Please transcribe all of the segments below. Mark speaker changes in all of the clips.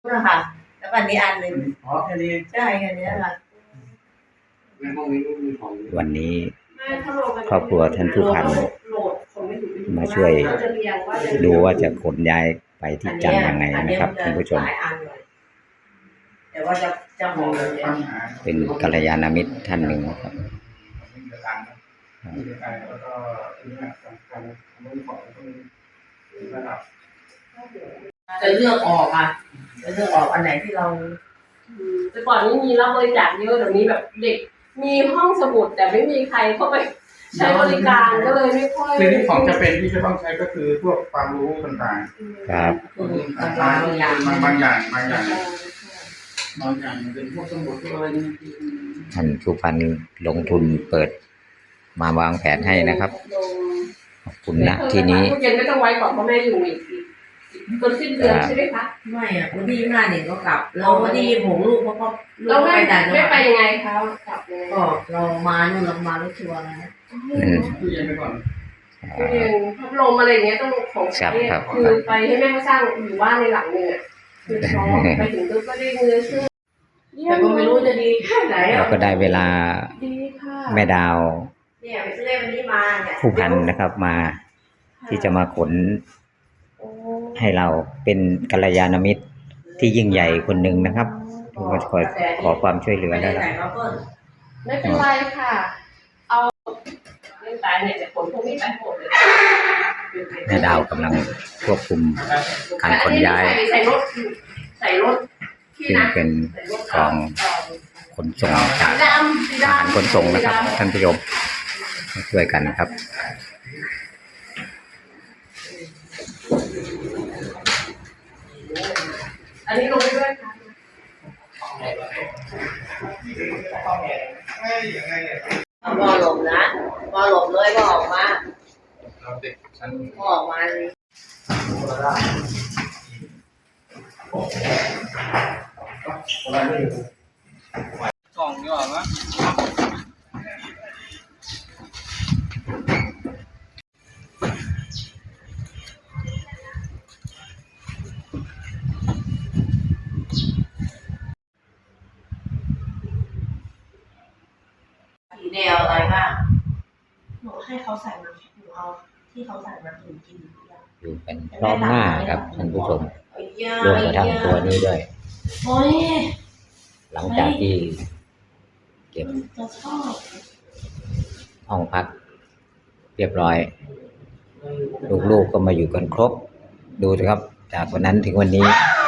Speaker 1: นะคะแล้วก็อันนี้อันหนึ่ง
Speaker 2: แค่นี้
Speaker 1: ใช่แค่นี้ค่ะ
Speaker 2: ในห้องนี้ไม่มีของ
Speaker 3: วันนี้ครอบครัวท่านผู้พันมาช่วยดูว่าจะขนย้ายไปที่จันทร์ยังไงนะครับท่านผู้ชม
Speaker 1: แต่ว่าจะหอมเลย
Speaker 3: เป็นกัลยาณมิตรท่านหนึ่งครับ
Speaker 1: จะเลือกออกอ่ะจะเลือกออกอันไหนที่เรา
Speaker 4: แต่ก่อนนี้มีรับบริจาคเยอะเดี๋ยวนี้แบบเด็กมีห้องสมุดแต่ไม่มีใครเข้าไปใช้บริการก็เลยไม่ค่อย
Speaker 2: คือที่ของจะเป็นที่จะต้องใช้ก็คือพวกความรู้ต่าง
Speaker 3: ๆครับ
Speaker 2: บางอย่างบางอย่างเป็นพวกสมุดอะไรนี่
Speaker 3: ท่านผู้พันลงทุนเปิดมาวางแผนให้นะครับขอบคุณนะที่นี้
Speaker 4: เย็นก็ต้องไว้ก่อนเพราะแม่อยู่อีกจนสิ้นเดือนใช่ไหมคะ
Speaker 1: ไม่อ่ะวันที่25ก็กลับเราวันที่26ลูกเขาก็
Speaker 4: เราไม่ไปยังไงคะกลับเลย
Speaker 1: ก็เรามานู่นเรามารถทัวร์นะ
Speaker 2: ตู้เย็นไปก่อน
Speaker 4: พัดลมอะไรอย่างเงี้ยต้องของคือไปให้แม่เขาสร้างอยู่บ้านในหลังเนี่ยคือพอไปถึงปุ๊บก็ได้เงินซื้อ
Speaker 1: แต่ก็ไม่รู้จะดีแค่ไหน
Speaker 3: เราก็ได้เวลาแม่ดาวผู้พันนะครับมาที่จะมาขนให้เราเป็นกัลยาณมิตรที่ยิ่งใหญ่คนหนึ่งนะครับที่มาขอความช่วยเหลือได้แล้ว
Speaker 4: ไม่เป็นไรค่ะเอาเรื่องตายเนี่ยจะขนพวกนี้ไปหมดเลย
Speaker 3: แม่ดาวกำลังควบคุมการขนย้าย
Speaker 4: ใส่รถ
Speaker 3: ซึ่งเป็นกองขนส่งจากทหารขนส่งนะครับท่านผู้ชมช่วยกันนะครับ
Speaker 4: อันนี้ลงไปด้วยค่ะ
Speaker 1: พอหลบนะพอหลบเลยก็ออกมาพอออกมาเลย
Speaker 2: กล่องนี่หรอมั้ย
Speaker 1: แนวอะไรบ้าง
Speaker 4: หนูให้เขาใส่มาหนูเอาที่เขาใส่มาหนูกิน
Speaker 3: อยู่เป็นพร้อมหน้าครับท่านผู้ชมรวมกระทั่งตัวนี้ด้วยหลังจากที่เก็บห้องพักเรียบร้อยลูกๆก็มาอยู่กันครบดูสิครับจากวันนั้นถึงวันนี้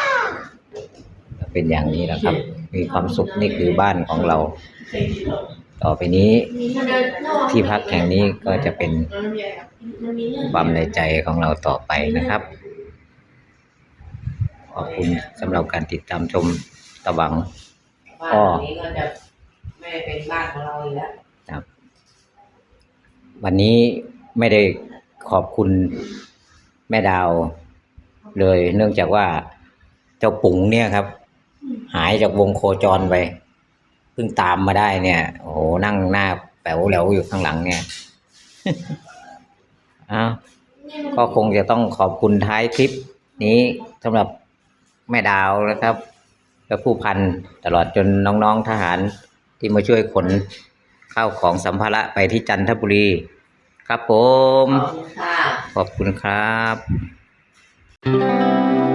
Speaker 3: เป็นอย่างนี้แหละครับมีความสุขนี่คือบ้านของเราต่อไปนี้ที่พักแห่งนี้ก็จะเป็นความในใจของเราต่อไปนะครับขอบคุณสำหรับการติดตามชมตะวัง
Speaker 1: ก็ไม่เป็นบ้านของเราอีกแล้ว
Speaker 3: ครับวันนี้ไม่ได้ขอบคุณแม่ดาวเลยเนื่องจากว่าเจ้าปุ๋งเนี่ยครับหายจากวงโคจรไปเพิ่งตามมาได้เนี่ยโอ้โหนั่งหน้าแป๋วแหลวอยู่ข้างหลังเนี่ยก็คงจะต้องขอบคุณท้ายคลิปนี้สำหรับแม่ดาวนะครับและผู้พันตลอดจนน้องๆทหารที่มาช่วยขนข้าวของสัมภาระไปที่จันทบุรีครับผมขอบคุณครับ